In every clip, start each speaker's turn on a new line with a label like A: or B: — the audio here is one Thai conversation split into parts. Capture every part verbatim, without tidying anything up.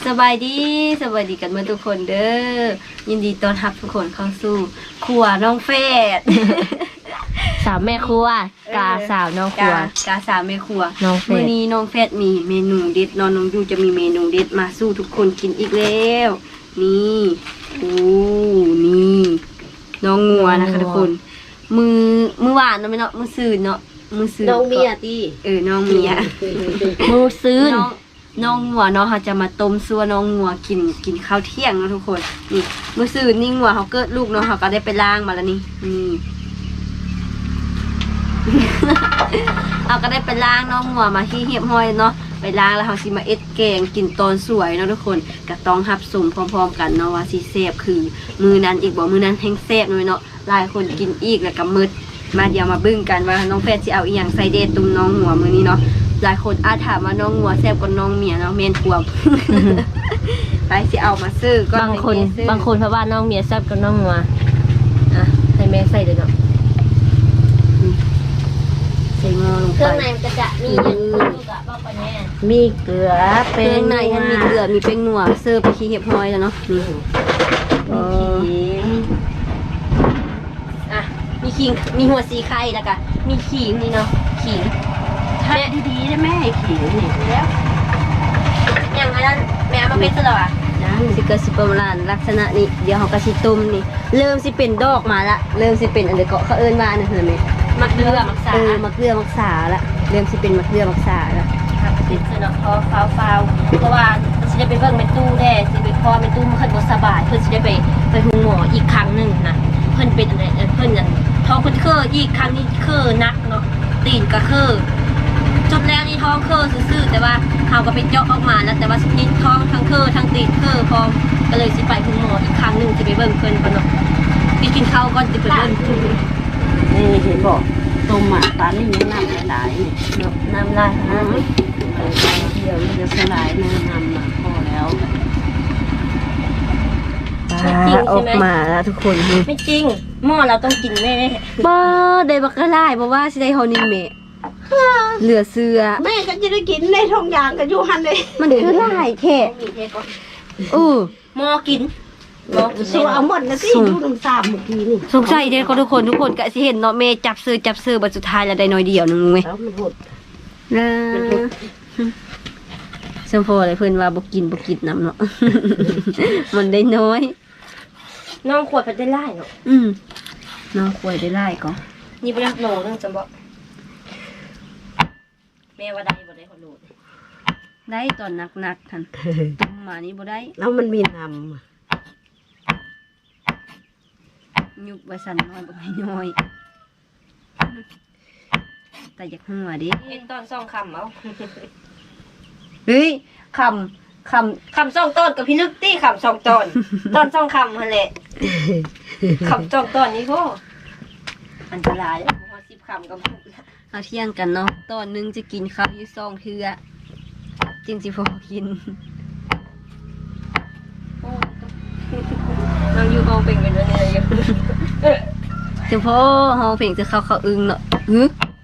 A: สบายดีสบายดีกันเมื่อทุกคนเด้อยินดีต้อนรับทุกคนเข้าสู่ครัวน้องเฟด
B: สาวแม่ครัวกาสาวน้องครัว
A: กาสาวแม่ครัว
B: น้องเฟด
A: มื้อนี้น้องเฟดมีเมนูเด็ดน้องน้องยูจะมีเมนูเด็ดมาสู้ทุกคนกินอีกแล้วนี่โอ้นี่น้องงัวนะคะทุกคนมือมือหวานเนาะไม่เนาะมือซื่นเนาะมือซื่น
C: น้องเมียตี
A: เออน้องเมีย
B: มูซื้น
A: น้องน้องงัวเนาะเขาจะมาต้มซัวน้องงัวกินกินข้าวเที่ยงเนาะทุกคนนี่เมื่อซื่อนี่งัวเขาเกิดลูกเนาะเขาก็ได้ไปล้างมาแล้วนี่นี่ เอาก็ได้ไปล้างน้องงัวมาที่เหียบห้อยเนาะไปล้างแล้วเขาสิมาเอ็ดแกงกินตอนสวยเนาะทุกคนก็ต้องรับสมพร้อมๆกันเนาะว่าสิแซ่บคือมือนั้นอีกบ่มือนั้นแห้งแซ่บเลยเนาะหลายคนกินอีกแล้วก็มืดมาเดี๋ยวมาบึ้งกันว่าน้องแฟนสิเอาอีหยังใส่เด็ดตุ้มน้องงัวมื้อนี้เนาะหลายคนอาจถามว่าน้องงัวแซ่บกว่าน้องเมียเนาะเมนควม ไปสิเอามาซื้อก็
B: บางคน
A: ให้แม่ซื้อบ
B: างคนเพราะว่าน้องเมียแซ่บกับน้องงัวอ่ะให้แม่ใส่เลยเนาะ
A: ใส่งอลง
B: เค
A: ไป
B: รื่องในมันก็จะมีอย่างนี้กับบ้าปะแม่
C: มีเกลือ
A: เค
C: เป็
A: รื่องในมันมีเกลือมีเป้งนัวเสิร์ฟไปขี้เห็บห้อยแล้วเนาะนี่
C: มีขิง
A: อ่ะมีขิงมีหัวสีไข่แล้วก็มีขิงนี่เนาะขิง
C: ทัดดีๆได้ไหมขิงนี่แล้ว
A: อย่างนั้นแม่เอามาเป็นซะแล้วอ่ะ
C: ยัง
A: สิเกิดสิประมาณลักษณะนี้เดี๋ยวเขาก็สิต้มนี่เริ่มสิเป็นดอกมาละเริ่มสิเป็นอันเดยวเกาะเขาเอิ้นว่าอันนั้นเห็นไหม
B: มักเดือมักสา
A: เออมะเกลือมักษาละเริ่มสิเป็นมะเกลือมักษาละ
B: ครับติดเนาะพอฟาวฟาวเพราะว่าสิได้ไปเบิ่งแม่ตู้แน่สิไปพอแม่ตู้มันขึ้นบ่สบายเพิ่นสิได้ไปไปหูหมออีกครั้งหนึงนะเพิ่นเป็นอะไรเอ่อเพิ่นนั่นท้องเพิ่นเคออีกครั้งนี้เคอนักเนาะตีนก็เคอจุดแรกนี่ท้องเคอซื่อๆแต่ว่าเฮาก็ไปเจาะออกมาแล้วแต่ว่าสิท้องทั้งเคอทั้งตีนเคอพร้อมก็เลยสิไปหูหมออีกครั้งหนึงสิไปเบิ่งเพิ่นก่อนเนาะไปกินข้าวก่อนสิไปเบิ่ง
C: นี่เห็นบอกต้มหมาปลานี่ยังน้ำหลายๆนี่
B: เนาะน้ำลายขนาดนี้
C: เออเดี๋ยวมันจะสลายนะน้ำมาพอแล้ว
A: ออกมาแล้วทุกคนนี่
B: ไม่จริงหม้อเราต้องกินแม่
A: บ่ได้บักกะลายบ่ว่าสิได้เฮานี่แม่เหลือเสือ
C: แม่ก็จะได้กินในท้องยางกันอยู่หันเลย
A: มันคือหลายแท้เออ
B: หม้อกินหม้อกิน
C: สู้เอาหมดนะสิดูน้ำตาเมื่อกี้นี่
A: สงสัยเด้อทุกคนทุกคนก็สิเห็นเนาะแม่จับเสือจับเสือบัดสุดท้ายแล้วได้น้อยเดียวนึงแม่
C: แล้วมันหด
A: เออสมพอเลยเพิ่นว่าบ่กินบ่กินน้ำเนาะ มันได้น้อย
B: น้องขวดไปได้ไล่เนาะ
A: อืมน้องควายได้ไล่ก็
B: นี่ไปรักโหลนึงจำบอกแม่ว่าได้บ่ได้ขอโหล
A: ได้ตอนหนักๆท่านต้มมานี่บ่ได้
C: แล้วมันมีน้
A: ยุบไว้สั่นน้อยบ่ให้น้อย แต่อยากหัวดิ
B: เห็นตอนสองคำเอา
A: เฮ้ยคำค
B: คำสองต้นกับพี่นึกตี้คำสองต้น ตอนสองคำหั่นแหละคำสองต้นนี่ก็อันตรายแล้วพอสิบคำกับพูดละ
A: ำเอาเที่ยงกันเนาะตอนหนึงจะกินข้าวอยู่ซองเทื่อจริงสิพอกิน
B: โอ้น้องอยู่ห้องเป็นกันด้วยเนี่ยอยู่
A: เฉพาะเฮาเพ่งจะเข้าเขาอึ้งเนาะฮึ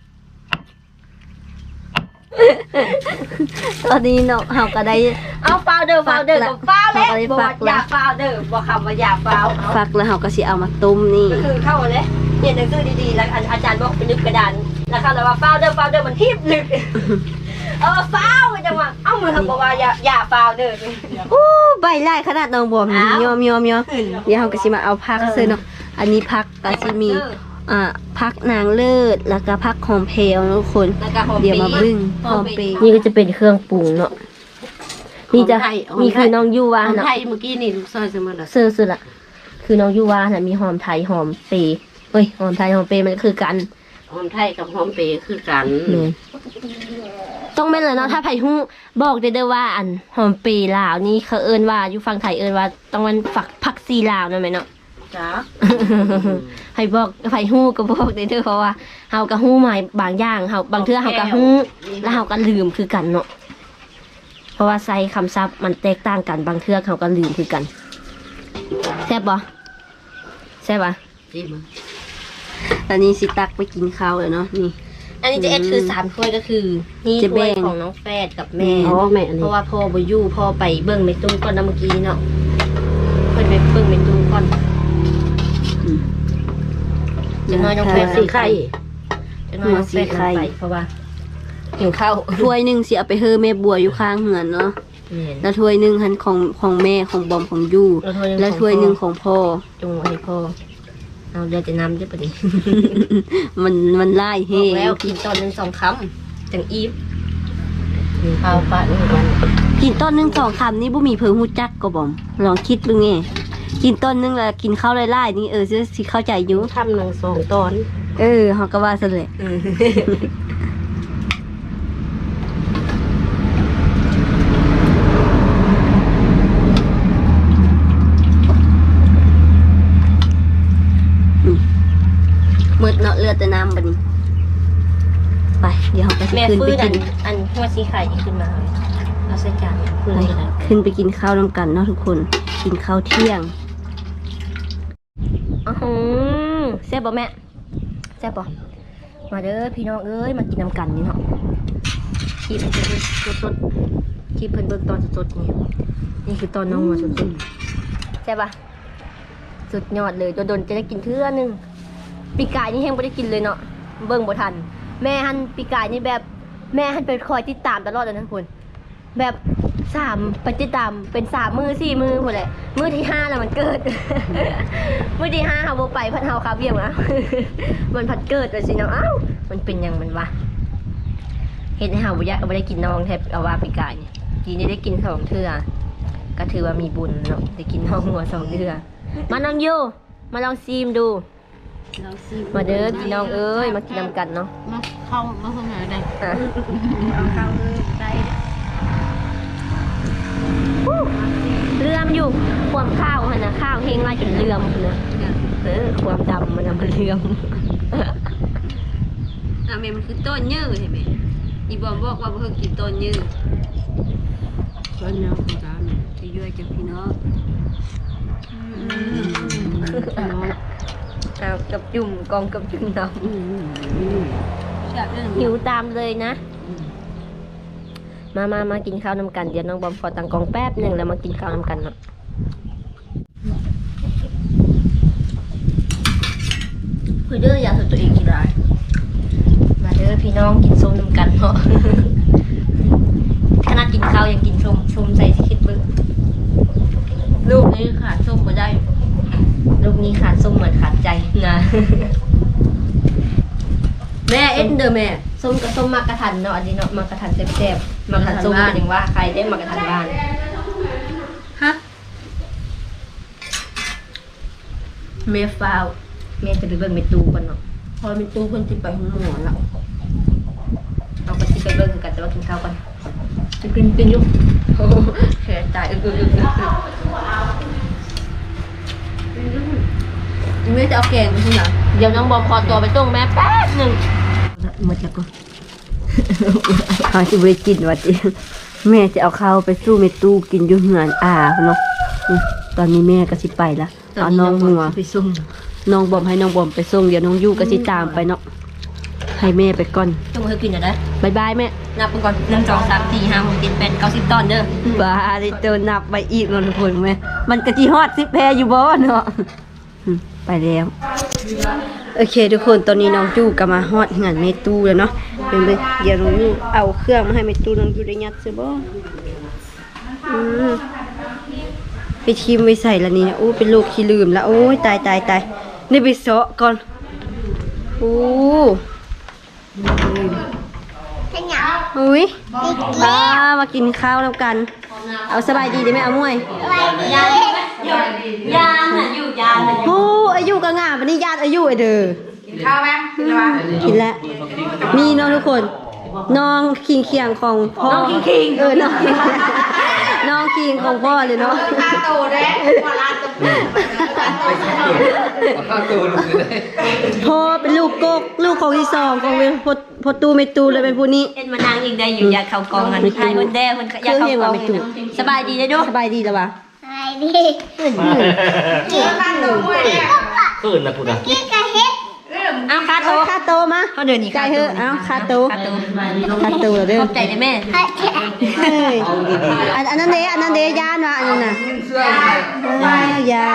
A: ตอนนี้เนาะเฮาก็ได้
B: เอาฟาวเดอร์ฟาวเดอร์กับฟาวแล้ว
A: เอาไป
B: บอก
A: ฝา
B: ว่าก อย่าฟาวเดอร์บอกคำว่าอย่าฟาวเอา
A: ฟักแล้วเฮาก็สิเอามาต้มนี่
B: ก็คือเข้าเลยเรียนหนังสือดีๆแล้วอาจารย์บอกไปลึกกระดานแล้วเข้าแล้วว่าฟาวเดอร์ฟาวเดอร์มันทีบลึก เออฟาวก็จังว่าเอ้ามือทำบอกว่าอย่าอย่าฟาวเดอร์
A: โอ้ใบไล่ขนาดน้องบอมนี่
B: อ้าวย
A: อมยอมยอมเดี๋ยวเฮาก็สิมาเอาผัก
B: เออ
A: ซื้อเนาะอันนี้ผักก็สิมีอ่าผักนางเลิศแล้วก็ผักหอมเพลวทุกคน
B: แล้วก็หอม
A: เดี๋ยวมา
B: ปี
A: บึ้งหอมเปรย์
B: นี่ก็จะเป็นเครื่องปรุงเนาะนี่จะมีคือน้องยู
C: ำ
B: วา
C: หอม
B: เนาะ
C: ไทยเมื่อกี้นี่ลูกซอยเสมอละ
B: เสื้อสุดละคือน้องยูวาน่ะมีหอมไทยหอมเปรย์เอ้ยหอมไทยหอมเปรย์มันคือกัน
C: หอมไทยกับหอมเปรย์คือกัน
B: แม่นต้องเป็นเลยเนาะถ้าไผ่ฮู้บอกได้เด้อว่าอันหอมเปรย์ลาวนี่เขาเอิ้นว่าอยู่ฝั่งไทยเอิ้นว่าต้องมันฝักผักซีลาวนั่นไหมเนาะ
C: จ้า
B: ให้บอกไผ่ฮู้ก็บอกได้เด้อเพราะว่าเฮาก็ฮู้หมายบางอย่างเฮาบางเทื่อเฮาก็ฮู้แล้วเฮาก็ลืมคือกันเนาะเพราะว่าใส่คำศัพท์มันแตกต่างกันบางเทื่อเฮาก็ลืมคือกันแซ่บบ่แซ่บบ่
C: ที่มัน
A: ตอนนี้สิตักไปกินข้าวแล้วเนาะนี่
B: อันนี้จะเอ็ดคือสามถ้วยก็คือนี่
A: จะ
B: ถ้
A: แบ่
B: วย
A: ง
B: ของน้องแฟดกับแม่
C: อ๋อแม่อัน
B: เพ
C: นี้
B: ราะว่าพ่อบ่อยู่พ่อไปเบิ่งเมตุ้มก่อนนะเมื่อกี้เนาะเพิ่นไปเบิ่งเมตุ้มก่อนจะน้อยน้องแฟด
C: สีไข่
B: จะน้อยน้องแฟดนำไปเพราะว่าหิวข้าว
A: ถ้วยหนึงสิเอาไปเฮอแม่บัวอยู่ข้างเหือนเนาะ
B: เนี่ย
A: แล้วถ้วยหนึงหันของของแม่ของบอมของยู
B: แล้วถ้วยหนึ่งของพ่อ
A: แล้วถ้วยหนึงของพ่อ
B: จงให้พ่อเอาเดี๋ยวจะนำด้วยปะดิ
A: มันมันไล่เฮ
B: บอกแล้วกินตอนหนึ่งสองคำจังอีฟเอาปะนี่กัน
A: กินต้นหนึงสองคำนี่บ่มีเพิ่งฮู้จักก็บอมลองคิดดูไงกินต้นหนึงแล้วกินข้าวไล่ๆนี่เออสิเข้าใจอยู่
C: ทำหนึ่งสองตอน
A: เออเฮาก็ว่าซั่นแหละ มืดเนาะเลือดแต่น้ำบัดนี้ไปเดี๋ยวเราไป
B: แม่
A: ขึ้น
B: ฟื้
A: ไป
B: นอั
A: กิ
B: น
A: น
B: อันหัวสีไข่ขึ้นมาเลยเอาใส่จานฟื้น
A: ไป
B: เลย
A: ขึ้นไปกินข้าวน้ำกันเนาะทุกคนกินข้าวเที่ยง
B: อ๋อหือแซ่บบ่แม่แซ่บบ่มาเด้อพี่น้องเอ้ยมากินน้ำกันนี่เนาะคีบสดสดๆคีบเพิ่นเบิ่งตอนสดๆนี่นี่คือตอนน้องหัวสดๆแซ่บปะสุดยอดเลยโดนๆจะได้กินเทื่อนึงปีกายนี่แห้งไม่ได้กินเลยเนาะเบิ่งบ่ทัน แม่ฮันปีกายนี่แบบแม่ฮันเป็นคอยติดตามตลอดเลยนะทุกคนแบบสามไปติดตามเป็นสามมือสี่มือหมดเลยมือที่ห้าแล้วมันเกิด มือที่ห้าเฮาบ่ไปพัดเฮาคาเบี้ยงนะ มันพัดเกิดเลยสิเนาะอ้าวมันเป็นหยังมันวะเฮ็ดให้เฮาบ่อยากบ่ได้กินน้องแทบเอาว่าปีกายนี่ทีนี้ได้กินสองเทื่อก็ถือว่ามีบุญเนาะได้กินน้องหัวสองเทื่อมาน้องยูมาลองซีมดู
C: เราซี
B: มาเด้อพี่น้องเอ้ยมากินน้ำกันเนาะ
C: มาเข้ามาเข้ามาได้
B: อ่ะ
C: เอาเข้าได้
B: เลื่อมอยู่ความข้าวมันนะข้าวเฮงไล่จนเลื่อมเลยเออความดำมันนะมันเลื่อม
A: อ่ะแม่มันคือต้นยืดใช่ไหมอีบอมบอกว่าเพิ่งกินต้นยืด
C: ตอนนี้ของการ
A: จะยั่วจากพี่น้อง
C: น้อง
B: เอากับจุ่มกองกับจุ่มด
C: อืมอืม
B: ำหิวตามเลยนะ มามามากินข้าวน้ำกันเดี๋ยวน้องบอมขอตังกองแป๊บหนึ่งแล้วมากินข้าวน้ำกันเนาะคือเด้ออย่าสนตัวเองกินไรมาเด้อพี่น้องกินส้มน้ำกันเนาะ ขนาดกินข้าวยังกินส้มส้มใส่สิคิดเบิ้ง
C: ลูกนี้ขาดส้มมาได้
B: ลูกนี้ขาดส้มเหมือนขาดใจนะ
A: แม่เอ็นเดอร์แม่
B: ส้มกับส้มมากระทันเนาะอันนี้เนาะมากระทันแซ่บๆมากระทันส้มเป็นอย่างว่าใครได้มากระทันบ้าน
A: ฮะเมฟาว
B: แม่จะไปเบิ่งเมตูก่อนเนาะ
A: พอมีตู้คนติดไปห้องหมอแล้ว
B: เอาไปสิไปเบิ่งกันแต่ว่ากินข้าวก่อนจะกินกินอยู่โอ้โหแขนตายอึกอึกอึกอึก
A: แม่จะเอาแกงไปที่ไหน
B: เดี๋ยวน้องบอมขอตัวไปส่งแม่แป๊บหนึ่ง
A: มาจากกูเขาจะไปกินวัดเองแม่จะเอาข้าวไปสู้เมตู้กินอยู่เหงานอาเนาะนี่ตอนนี้แม่ก็สิไปละเอาน้องหัว
B: ไปส่ง
A: น้องบอมให้น้องบอมไปส่งเดี๋ยวน้องยู่ก็สิตามไปเนาะให้แม่ไปก่อน
B: ส่งให้กินหน่อยนะ
A: บายบายแม่
B: นับไปก่อนหนึ่งสองสามสี่ห้าหกเจ็ดแปดเก้าสิบตอนเด้อ
A: บ้าได้เจอนับไปอีกเนาะทุกคนแม่มันกะจีฮอดสิแพรอยู่บ่เนาะอืมไปแล้วโอเคทุกคนตอนนี้น้องจู่ก็มาฮอดงานเมตู้แล้วเนาะเป็นไปเดี๋ยวน้องยู่เอาเครื่องมาให้เมตู้น้องยู่ได้ยัดซิบ่อืมไปทิมไว้ใส่ละนี่นะโอ้เป็นลูกขี้ลืมแล้วโอ้ยตายตายตายนี่ไปเซาะก่อนโอ้อุ้ยอ่ามากินข้าวแล้วกัน เอาสบายดีได้ไหมเอามวยยานยานอ่ะอยู่ยานโอ้อายุก็งามวันนี้ญาติอายุไอเด้อกินข้าวไหมกินแล้วมีน้องทุกคนน้องคิงเคียงของพ่อน้องคิงคิงเออน้องน้องคิงของพ่อเลยเนาะ
D: ตาโตเด้ว่าลาตะปู
E: ข้าวตัวลูกเลย
A: พ่อเป็นลูกกกลูกของที่สองของเวพดพดตูเมตูเลยเป็นผู้นี้
B: เอ็นมานางอีกได้อยู่อยากเข้ากองกันใครคนแด้คนอยากเข้ากองสบายดีได้ด้วย
A: สบายดีแล้ววะ
D: ไอ้ดิเกี่ยวกันตัวมวยเนี่ย
E: ขึ้นนะพูดนะ
D: เกี่ยวกับเฮ็ดเริ่ม
B: เอาคาโต
A: คาโตมา
B: เขาเดินนี่
A: ใจเถอะเอาคาโต
B: คาโต
A: คาโตเด้อ
B: ขอบใจนะแม่
A: เฮ้ยอันอันนั้นเด้อันนั้นเด้ยานว่ะอันนั้นน่ะอ้าวยาน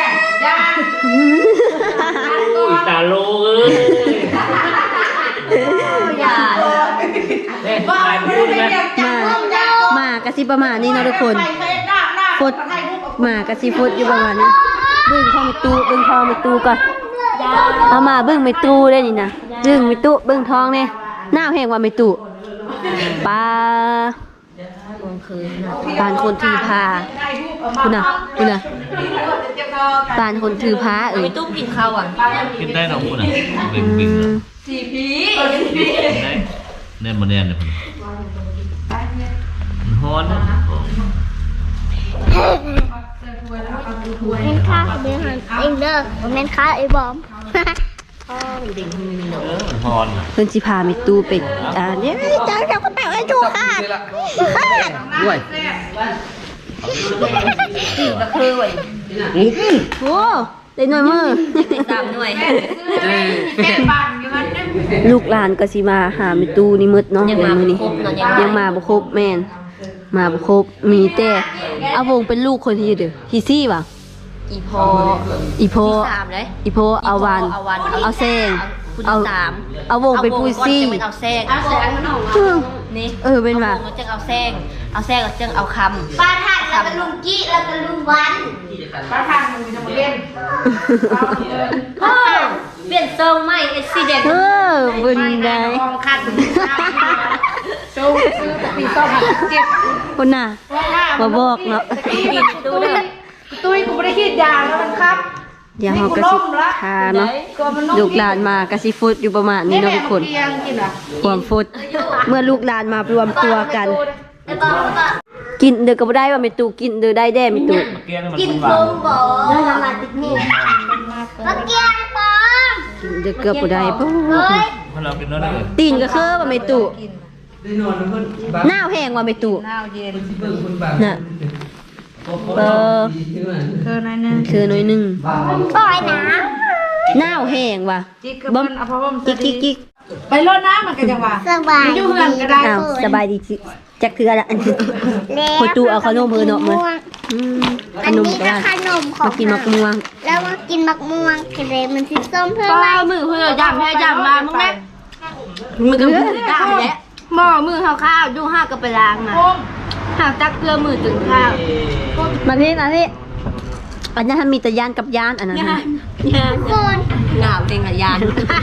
E: อีตาโลเอ้ย
B: อย่า
E: เล่นถ่ายรูปไหม
A: มามากะสิประมาณนี้เนาะทุกคนฟดมากะสิฟดอยู่ประมาณนี้เบิ่งเข้าไปตู้เบิ่งเข้าไปตู้ก่อนเอามาเบิ่งไปตู้ได้นี่นะเบิ่งไปตู้เบิ่งท้องเนี่ยหน้าแห้งว่าไปตู้ปลาปานคนถือพาคุณน่ะคุณน่ะปานคนถือพาเอ้
B: ไป
A: ย
B: ตู้กินข้าวอ่ะ
E: กินได้หรอคุณอ่ะบึ้งบึ้งได้แน่นมาแน่นเลยคุณฮ้อน
D: แม่นค่าเดินหันเองเด้อแม่นค่าไอ้บอม
E: ฮ้อน
A: เพิ่นสิพาไปตู้เป็ดอ่าเนี่ยจ้าเจ้าก็แปะไว้ตู้ค่ะ
C: ด้วย
B: ก็คือไว้
A: โอ้ได้หน่อยมือ
B: ตามหน่วย
A: ลูกหลานก็สิมาหาแม่ตู้นี่มืดเนาะ
B: ยัง
A: เดี๋ย
B: มาว
A: มื้อ
B: ไม่
A: นี้
B: ครบเนาะ
A: ยังมาบ่ครบแม่นมาบ่ครบมีแต่อาวงเป็นลูกคนที่เด้อที่ซี่ว่ะ
B: อีพอ
A: อีโพ
B: ที่สามเลย
A: อีโพเอาวัน
B: เอาวัน
A: เอาแซง
B: คุณ
A: เอา
B: สาม
A: เอาวงเป็นผู้ซี่
B: เอาวงก่อนจะเป็นเอาแซงเอาแซงมันออกนี่
A: เออเป็นว่ะ
B: เอาวงแล้วจึงเอาแซงเอาแซงแล้วจึงเอาคำ
D: ปลาถัดแล้วก็ลุงกี้แล้วก็ลุงวันปลาถัดมึงจะมาเล่น
B: เฮ้ยเปลี่ยนทรงใหม่เอ็กซิเดน
A: เออบุญได้
D: กองคัดซื้อซื้อปีสองพันเจ็ด
A: คนน่ะมาบอกเนาะ
B: ดูเด้อ
D: ตุ้ยกูไม่ได้คิดยาแล้วมันครับ
A: เดี๋ยวเฮาก็สิทาเนาะลูกหลานมาก็สิฟุดอยู่ประมาณนี้เนาะทุกคน
D: เพียงกินอ่ะ
A: ความฟุดเมื่อลูกหลานมารวมตัวกัน กินเด้อก็บ่ได้ว่าแม่ตู่กินเด้อได้แด้แม่ตู่
E: เกี้ยงมัน
D: กิน
E: หวา
D: โฟ
E: น
D: มบ่มาติดนี่มาเกียงปอม
A: กินเด้อเกือบบ่ได้ปุ๊
D: เฮ้ย
E: มันเราเป็นน้อยเลย
A: ตีนก็คือว่าแม่ตู่หน้าแห้งว่าแม่ตู่น่ะเออคือน้อยนึงคือน้อยนึง
D: ปล่อยนะ
A: หน้าแห้งว่ะบ่กิ๊กกิ๊กกิ๊ก
F: ไปรดน้ำมันก็จะว่า
D: สบาย
F: อยู่เฮือนก็ได้
A: อ้าวสบายดีจิจักคืออะไรอันนี้พอตู่เอาขนมเพิ่นเนาะมื้ออืมข
D: อัน
A: นม
D: นี้
A: ก็
D: ก็
A: ได้
D: ขนมของ
A: มากินมะม่วง
D: แล้วมากินมะม่วงกระเดมันสีส้มเพื่อ
B: ป้า
D: ไล่
B: มือเพื่อยำให้ยำมามึงแม่มึงก็มือได้แล้วหม้อมือข้าวข้าวดูห้าก็ไปล้างมาหากจักเกลือมือถึงข้าว
A: มาพี่มาพี่อันนั้นมีแต่ยานกับยานอันนั้น
B: งา
A: น่ะ
B: นงาน
D: คน
B: หนาวเต็งกับยาน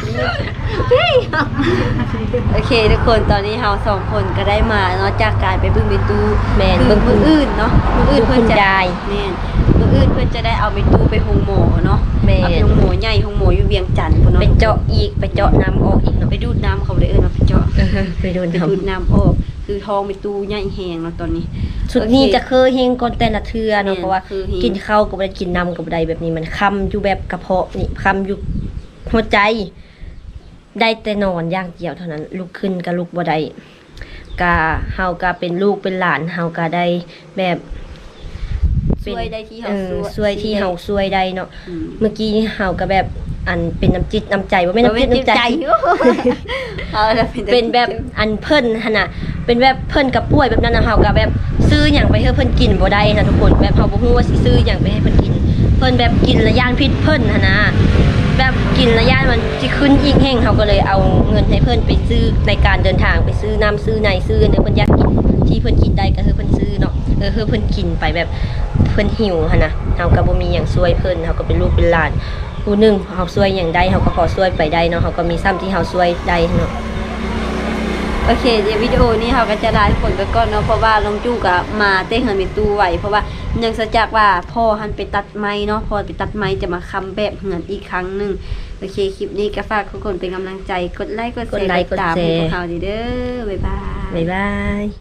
A: โอเคทุกคนตอนนี้เราสองคนก็ได้มาเนาะจากการไปบึ้งเมตู
B: แม่น
A: คือมืออื่นเนาะมืออื่นเพื่อนจะ
B: คุณยาย
A: แม่นมืออื่นเพื่อนจะได้เอาเมตูไปหงหมอเนาะ
B: แม่น
A: เอาไปหงหมอใหญ่หงหมออยู่เวียงจันทน์พุ่นเนาะ
B: ไปเจาะอีกไปเจาะน้ำออกอีกเนาะ
A: ไปดูดน้ำเขาเลยเอิ้นว่าไปเจาะ
B: ไปโดน
A: ไป
B: ท
A: ดูดน้ำออกคือทองเมตูใหญ่แหงเนาะตอนนี้
B: ำชุดนี้จะเคยเฮงก่อนแต่ละเทือเนาะ
A: แม่น
B: เพราะว่า
A: คือเฮง
B: กินข้าวกับได้กินน้ำกับได้แบบนี้มันคำอยู่แบบกระเพาะนี่คำอยู่หัวใจ ได้แต่นอนอย่างเดียวเท่านั้นลุกขึ้นก็ลุกบ่ได้กาเฮาก็เป็นลูกเป็นหลานเฮาก็ได้แบบ
A: ช่วยได้ที่
B: เอ
A: เฮา
B: อช่วยที่เฮาช่วยได้เนาะ
A: อืม
B: เมื่อกี้เฮาก็แบบอันเป็นน้ำจิตน้ำใจว่าไม่นน้ำจิตน้ำใจ
A: เอาละ
B: เป็นแบบอันเพิ่นหั่นน่ะเป็นแบบเพิ่นกับป่วยแบบนั้นนะเฮาก็แบบซื้อหยังไปให้เพิ่นกินบ่ได้นะทุกคนแบบเฮาบ่ฮู้ว่าสิซื้อหยังไปให้เพิ่นกิน เพิ่นแบบกินและย่านพิษเพิ่นหั่นนะแบบกินและย่านมันสิขึ้นอีกแห้งเฮาก็เลยเอาเงินให้เพิ่นไปซื้อในการเดินทางไปซื้อน้ำซื้อในซื้อเด้อเพิ่นอยากกินที่เพิ่นกินได้ก็คือเพิ่นซื้อเนาะเออคือเพิ่นกินไปแบบเพิ่นหิวหั่นนะเฮาก็บ่มีหยังช่วยเพิ่นเฮาก็เป็นลูกเป็นหลานผู้หนึงเฮาช่วยหยังได้เฮาก็ขอช่วยไปได้เนาะเฮาก็มีซ้ำที่เฮาช่วยได้เนาะ
A: โอเคเดี๋ยววิดีโอนี้เราก็จะลาทุกคนไปก่อนเนาะเพราะว่าลงจู้กับมาเต้เหินมีตู้ไหวเพราะว่าเนื่องจากว่าพ่อหันไปตัดไม้เนาะพอไปตัดไม้จะมาคำแบบเหินอีกครั้งหนึ่งโอเคคลิปนี้ก็ฝากทุกคนเป็นกำลังใจกดไลค์กดแช
B: กด
A: ร์
B: ไลค์
A: ติดตาม
B: กดแชร์
A: พวกเราดีเด้อบ๊ายบาย
B: บ๊ายบาย